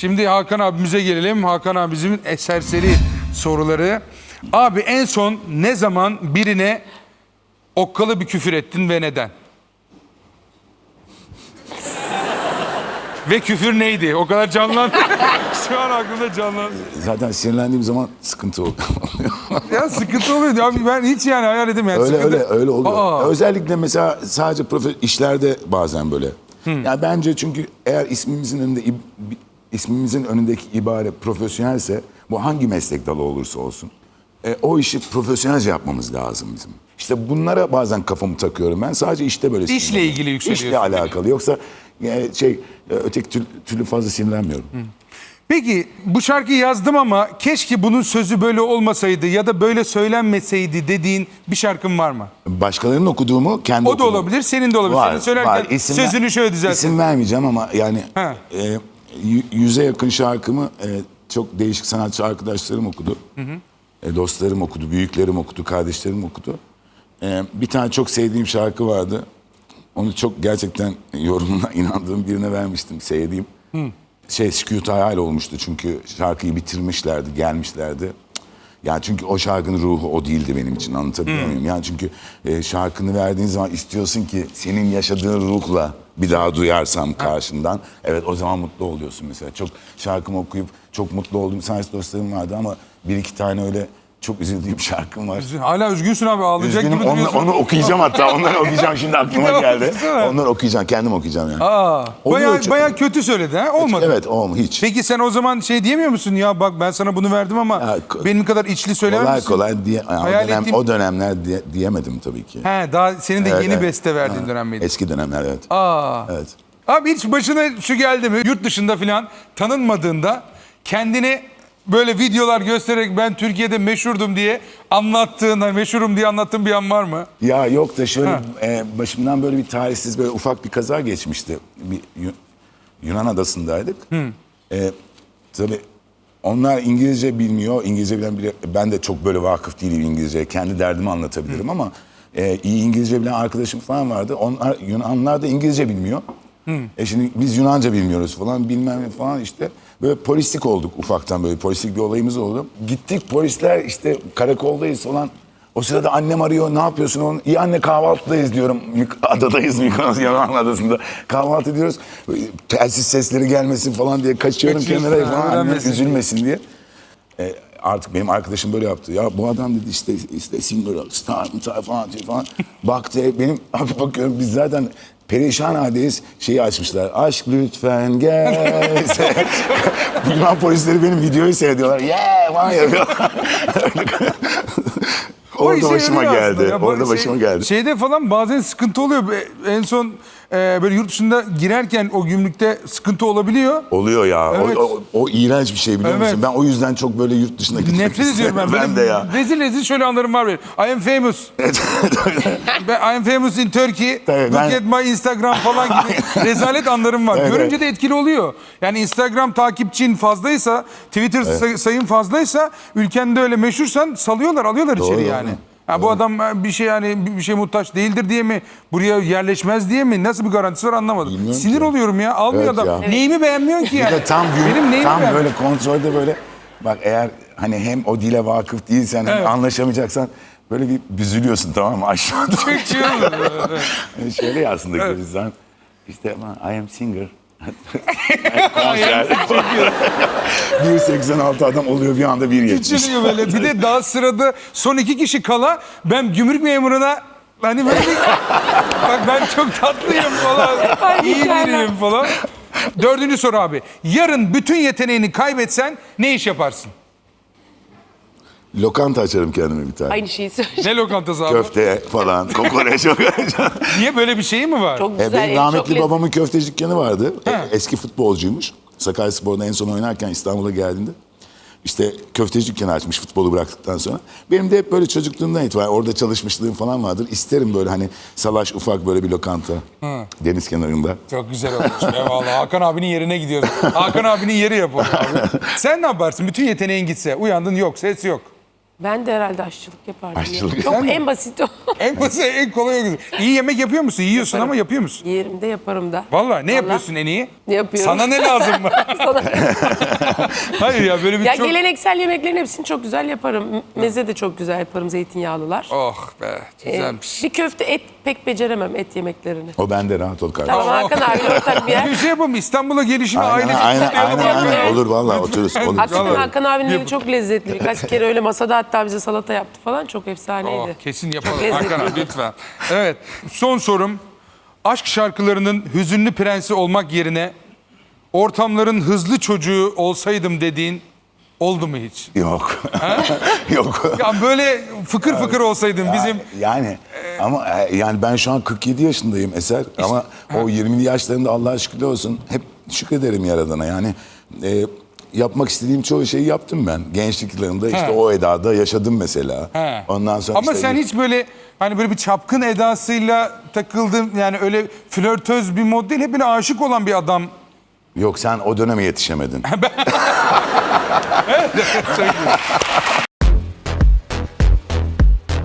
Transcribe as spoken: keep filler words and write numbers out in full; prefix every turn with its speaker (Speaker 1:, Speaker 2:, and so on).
Speaker 1: Şimdi Hakan abimize gelelim. Hakan abimizin serseri soruları. Abi en son ne zaman birine okkalı bir küfür ettin ve neden? Ve küfür neydi? O kadar canlandı. Şu an aklımda canlandı.
Speaker 2: Zaten sinirlendiğim zaman sıkıntı oluyor.
Speaker 1: Ya sıkıntı oluyor. Abi ben hiç yani hayal edemiyorum.
Speaker 2: Öyle
Speaker 1: sıkıntı...
Speaker 2: öyle öyle oluyor.
Speaker 1: Aa.
Speaker 2: Özellikle mesela sadece profe işlerde bazen böyle. Hmm. Yani bence çünkü eğer ismimizin önünde ismimizin önündeki ibare profesyonelse, bu hangi meslek dalı olursa olsun, e, o işi profesyonelce yapmamız lazım bizim. İşte bunlara bazen kafamı takıyorum ben. Sadece işte böyle.
Speaker 1: İşle ilgili yükseliyorsun.
Speaker 2: İşle alakalı. Yoksa yani şey öteki türlü, türlü fazla sinirlenmiyorum. Hmm.
Speaker 1: Peki bu şarkıyı yazdım ama keşke bunun sözü böyle olmasaydı ya da böyle söylenmeseydi dediğin bir şarkın var mı?
Speaker 2: Başkalarının okuduğumu kendi
Speaker 1: O da
Speaker 2: okuduğum.
Speaker 1: olabilir, senin de olabilir.
Speaker 2: Var,
Speaker 1: Senin söylerken
Speaker 2: var. İsim
Speaker 1: sözünü
Speaker 2: ver,
Speaker 1: şöyle düzelt.
Speaker 2: İsim vermeyeceğim ama yani e, yüze yakın şarkımı e, çok değişik sanatçı arkadaşlarım okudu. Hı hı. E, dostlarım okudu, büyüklerim okudu, kardeşlerim okudu. E, bir tane çok sevdiğim şarkı vardı. Onu çok gerçekten yorumuna inandığım birine vermiştim, sevdiğim. Hı. Şey, sükût hayal olmuştu çünkü şarkıyı bitirmişlerdi, gelmişlerdi. Yani çünkü o şarkının ruhu o değildi benim için, anlatabiliyor muyum? Hmm. Yani çünkü e, şarkını verdiğin zaman istiyorsun ki senin yaşadığın ruhla bir daha duyarsam karşından. Evet, o zaman mutlu oluyorsun mesela. Çok şarkımı okuyup çok mutlu olduğum sanatçı dostlarım vardı ama bir iki tane öyle çok üzüldüğüm şarkım var.
Speaker 1: Hala üzgünsün abi, ağlayacak
Speaker 2: Üzgünüm,
Speaker 1: gibi
Speaker 2: onu,
Speaker 1: duruyorsun.
Speaker 2: onu okuyacağım hatta, onları okuyacağım şimdi aklıma geldi. Onları okuyacağım, kendim okuyacağım yani.
Speaker 1: Aa, bayağı, bayağı kötü söyledi ha, olmadı.
Speaker 2: Evet, olmadı hiç.
Speaker 1: Peki sen o zaman şey diyemiyor musun ya, bak ben sana bunu verdim ama ya, benim kadar içli söyler
Speaker 2: kolay
Speaker 1: misin?
Speaker 2: kolay kolay diye, yani o, dönem,
Speaker 1: ettiğin...
Speaker 2: o dönemler diye, diyemedim tabii ki.
Speaker 1: He, daha senin de
Speaker 2: evet,
Speaker 1: yeni
Speaker 2: evet.
Speaker 1: beste verdiğin
Speaker 2: ha,
Speaker 1: dönem miydi?
Speaker 2: Eski dönemler, evet.
Speaker 1: Aa.
Speaker 2: Evet.
Speaker 1: Abi hiç başına şu geldi mi? Yurt dışında falan tanınmadığında kendini böyle videolar göstererek ben Türkiye'de meşhurdum diye anlattığın, hani meşhurum diye anlattığın bir an var mı?
Speaker 2: Ya yok da şöyle e, başımdan böyle bir talihsiz böyle ufak bir kaza geçmişti. Bir Yunan adasındaydık. E, tabii onlar İngilizce bilmiyor. İngilizce bilen biri, ben de çok böyle vakıf değilim İngilizceye. Kendi derdimi anlatabilirim Hı. ama e, iyi İngilizce bilen arkadaşım falan vardı. Onlar, Yunanlar da İngilizce bilmiyor. Hı. E şimdi biz Yunanca bilmiyoruz falan, bilmem ne falan işte. Böyle polislik olduk ufaktan, böyle polislik bir olayımız oldu. Gittik, polisler işte karakoldayız falan. O sırada annem arıyor, ne yapıyorsun oğlum? İyi anne, kahvaltıdayız diyorum. Adadayız, Mikonos Yaman Adası'nda. Kahvaltı ediyoruz. Telsiz sesleri gelmesin falan diye kaçıyorum kenara falan. Annem üzülmesin diye. E, artık benim arkadaşım böyle yaptı. Ya bu adam dedi işte, işte singer, star, star falan diyor falan. Baktı, benim abi bakıyorum biz zaten perişan haldeyiz. Şeyi açmışlar. Aşk lütfen gel. Yunan polisleri benim videoyu seyrediyorlar. Yeah falan yapıyorlar. Orada başıma geldi. Ya, Orada şey, başıma geldi.
Speaker 1: Şeyde falan bazen sıkıntı oluyor. En son e, böyle yurt dışında girerken o gümrükte sıkıntı olabiliyor.
Speaker 2: Oluyor ya.
Speaker 1: Evet.
Speaker 2: O, o, o iğrenç bir şey, biliyor evet. musun? Ben o yüzden çok böyle yurt dışına gitmek
Speaker 1: Nefret ediyorum ben.
Speaker 2: ben de ya.
Speaker 1: Rezil rezil şöyle anlarım var benim. I am famous. I am famous in Turkey.
Speaker 2: Tabii,
Speaker 1: Look
Speaker 2: ben...
Speaker 1: at my Instagram falan gibi rezalet anlarım var. Evet, görünce evet. de etkili oluyor. Yani Instagram takipçin fazlaysa, Twitter evet. sayın fazlaysa, ülkende öyle meşhursan salıyorlar, alıyorlar doğru, içeri yani. Ha, bu adam bir şey yani bir şey muhtaç değildir diye mi, buraya yerleşmez diye mi, nasıl bir garantisi var anlamadım. Bilmiyorum Sinir ki. oluyorum ya, almıyor evet adam. Ya. Neyimi beğenmiyorsun ki yani?
Speaker 2: Tam gün,
Speaker 1: Benim neyimi
Speaker 2: tam böyle kontrolde böyle bak, eğer hani hem o dile vakıf değilsen evet. anlaşamayacaksan böyle bir büzülüyorsun, tamam mı, aşağıda. yani şöyle ya aslında evet. Gülistan işte I am singer. Konser. bir seksen altı adam oluyor bir anda, bir yetmiş.
Speaker 1: Küçülüyor böyle. Bir de daha sırada son iki kişi kala ben gümrük memuruna hani böyle bir, bak ben çok tatlıyım falan, iyi biriyim falan. Dördüncü soru abi. Yarın bütün yeteneğini kaybetsen ne iş yaparsın?
Speaker 2: Lokanta açarım kendime bir tane.
Speaker 3: Aynı şeyi söyleyeceğim.
Speaker 1: Ne lokantası abi?
Speaker 2: Köfte falan, kokoreç.
Speaker 1: Niye, böyle bir şey mi var?
Speaker 3: Çok güzel.
Speaker 2: E, benim rahmetli
Speaker 3: çok
Speaker 2: babamın köfteci dükkanı vardı. E, eski futbolcuymuş. Sakaryaspor'da en son oynarken İstanbul'a geldiğinde işte köfteci dükkanı açmış futbolu bıraktıktan sonra. Benim de hep böyle çocukluğumdan itibaren orada çalışmışlığım falan vardır. İsterim böyle hani salaş ufak böyle bir lokanta. Hı. Deniz kenarında.
Speaker 1: Çok güzel olmuş. Eyvallah. Hakan abinin yerine gidiyoruz. Hakan abinin yeri yapalım abi. Sen ne yaparsın? Bütün yeteneğin gitse. Uyandın, yok. Ses yok.
Speaker 3: Ben de herhalde aşçılık yapardım. ya.
Speaker 2: Aşçılık.
Speaker 3: Çok
Speaker 1: Sen mi?
Speaker 3: en basit o.
Speaker 1: En basit, en kolay o. İyi yemek yapıyor musun? Yiyorsun
Speaker 3: Yaparım.
Speaker 1: ama yapıyor musun?
Speaker 3: Yerimde yaparım da.
Speaker 1: Vallahi ne yapıyorsun en iyi?
Speaker 3: Ne yapıyorum?
Speaker 1: Sana ne lazım mı?
Speaker 3: Sana-
Speaker 1: Hayır ya böyle bir
Speaker 3: Ya
Speaker 1: çok...
Speaker 3: geleneksel yemeklerin hepsini çok güzel yaparım. M- Meze de çok güzel yaparım, zeytinyağlılar.
Speaker 1: Oh be
Speaker 3: Ee,
Speaker 1: güzelmiş.
Speaker 3: bir köfte et pek beceremem et yemeklerini.
Speaker 2: O bende, rahat ol kardeşim.
Speaker 3: Tamam Hakan abi ortak bir yer.
Speaker 1: Bir şey yapalım İstanbul'a gelişimi
Speaker 2: Aynen
Speaker 1: ailece
Speaker 2: aynen
Speaker 1: kutlayalım.
Speaker 2: aynen, aynen.
Speaker 3: Evet.
Speaker 2: olur vallahi otururuz. Olur.
Speaker 3: Hakikaten
Speaker 1: Vallahi.
Speaker 3: Hakan abinin eli
Speaker 1: Yapın.
Speaker 3: çok lezzetli. Birkaç kere öyle masada hatta bize salata yaptı falan. Çok
Speaker 1: Oh,
Speaker 3: efsaneydi.
Speaker 1: kesin yapalım
Speaker 3: Lezzetli.
Speaker 1: Hakan abi lütfen. Evet son sorum. Aşk şarkılarının hüzünlü prensi olmak yerine ortamların hızlı çocuğu olsaydım dediğin oldu mu hiç?
Speaker 2: Yok. Yok.
Speaker 1: Ya böyle fıkır fıkır olsaydın bizim...
Speaker 2: Yani ama e, yani ben şu an kırk yedi yaşındayım Eser, ama o yirmili yaşlarında Allah'a şükürler olsun hep şükrederim Yaradan'a. Yani e, yapmak istediğim çoğu şeyi yaptım ben. Gençlik yıllarımda işte
Speaker 1: He.
Speaker 2: o edada yaşadım mesela.
Speaker 1: He.
Speaker 2: Ondan sonra
Speaker 1: Ama
Speaker 2: işte
Speaker 1: sen hiç böyle hani böyle bir çapkın edasıyla takıldın, yani öyle flörtöz bir mod değil, hep böyle aşık olan bir adam.
Speaker 2: yok, sen o döneme yetişemedin.